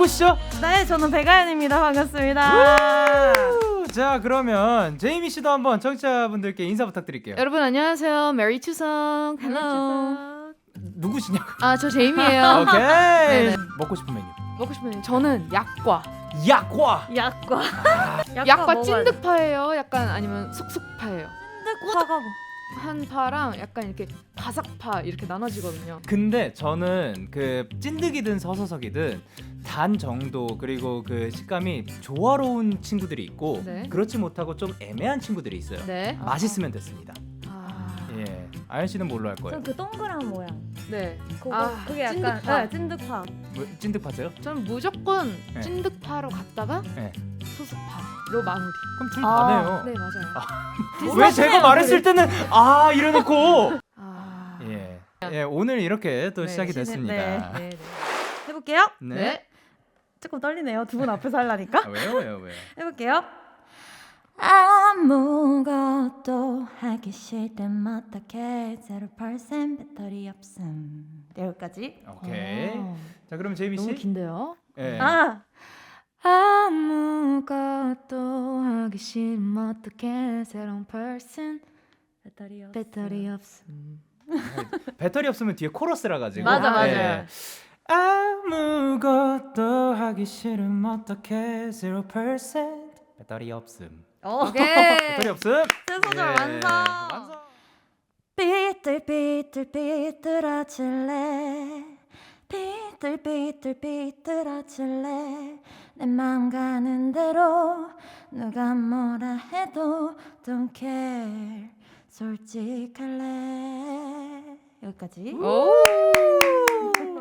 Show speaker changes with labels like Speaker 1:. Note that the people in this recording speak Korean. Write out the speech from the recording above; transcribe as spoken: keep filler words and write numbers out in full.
Speaker 1: 누구시죠?
Speaker 2: 네, 저는 백아연입니다. 반갑습니다.
Speaker 1: 자, 그러면 제이미 씨도 한번 청취자분들께 인사 부탁드릴게요.
Speaker 3: 여러분 안녕하세요. 메리 추석. 헬로.
Speaker 1: 누구시냐고?
Speaker 3: 아, 저 제이미예요.
Speaker 1: 오케이.
Speaker 3: 네네.
Speaker 1: 먹고 싶은 메뉴.
Speaker 3: 먹고 싶은 저는 약과.
Speaker 1: 약과.
Speaker 2: 약과.
Speaker 3: 약과 찐득파예요. 약간 아니면 쑥쑥파예요.
Speaker 2: 찐득파가 뭐?
Speaker 3: 한 파랑 약간 이렇게 바삭파 이렇게 나눠지거든요.
Speaker 1: 근데 저는 그 찐득이든 서서석이든 단 정도 그리고 그 식감이 조화로운 친구들이 있고
Speaker 3: 네.
Speaker 1: 그렇지 못하고 좀 애매한 친구들이 있어요.
Speaker 3: 네.
Speaker 1: 맛있으면 됐습니다.
Speaker 3: 아.
Speaker 1: 예, 아연 씨는 뭘로 할 거예요?
Speaker 2: 전 그 동그란 모양.
Speaker 3: 네.
Speaker 2: 그거
Speaker 3: 아,
Speaker 2: 그게 약간
Speaker 3: 찐득파.
Speaker 2: 네, 찐득파.
Speaker 1: 뭐, 찐득파세요?
Speaker 3: 저는 무조건
Speaker 1: 네.
Speaker 3: 찐득파로 갔다가
Speaker 1: 네.
Speaker 3: 소스파로 마무리.
Speaker 1: 그럼 둘
Speaker 2: 아,
Speaker 1: 다네요.
Speaker 3: 네, 맞아요.
Speaker 1: 왜 제가 말했을 때는 아 이래놓고
Speaker 3: 아.
Speaker 1: 예. 예, 오늘 이렇게 또
Speaker 3: 네,
Speaker 1: 시작이
Speaker 2: 시즌-
Speaker 1: 됐습니다.
Speaker 2: 네.
Speaker 3: 네, 네.
Speaker 2: 해볼게요.
Speaker 1: 네.
Speaker 3: 네.
Speaker 2: 조금 떨리네요. 두 분 앞에서 하려니까.
Speaker 1: 아, 왜요, 왜요, 왜요?
Speaker 2: 해볼게요. 아무것도 하기 싫든 어떻게 제로 퍼센트 배터리 없음. 여기까지.
Speaker 1: 오케이.
Speaker 3: 어,
Speaker 1: 자, 그럼 제이미 씨.
Speaker 3: 너무 긴데요.
Speaker 1: 예.
Speaker 2: 아,
Speaker 3: 아무것도 하기 싫으면 어떡해 새로운 person
Speaker 2: 배터리 없음.
Speaker 3: 배터리 없음.
Speaker 1: 배터리 없으면 뒤에 코러스라 가지고.
Speaker 2: 맞아, 맞아.
Speaker 1: 예. 아무것도 하기 싫음 어떻게 zero percent 배터리 없음.
Speaker 2: 어.
Speaker 3: 오케이.
Speaker 1: 배터리 없음.
Speaker 2: 제 소절
Speaker 1: 예.
Speaker 2: 완성.
Speaker 1: 완성.
Speaker 2: 삐뚤삐뚤삐뚤어질래 삐뚤삐뚤삐뚤어질래 내 맘 가는 대로 누가 뭐라 해도 don't care 솔직할래 여기까지.
Speaker 3: 오.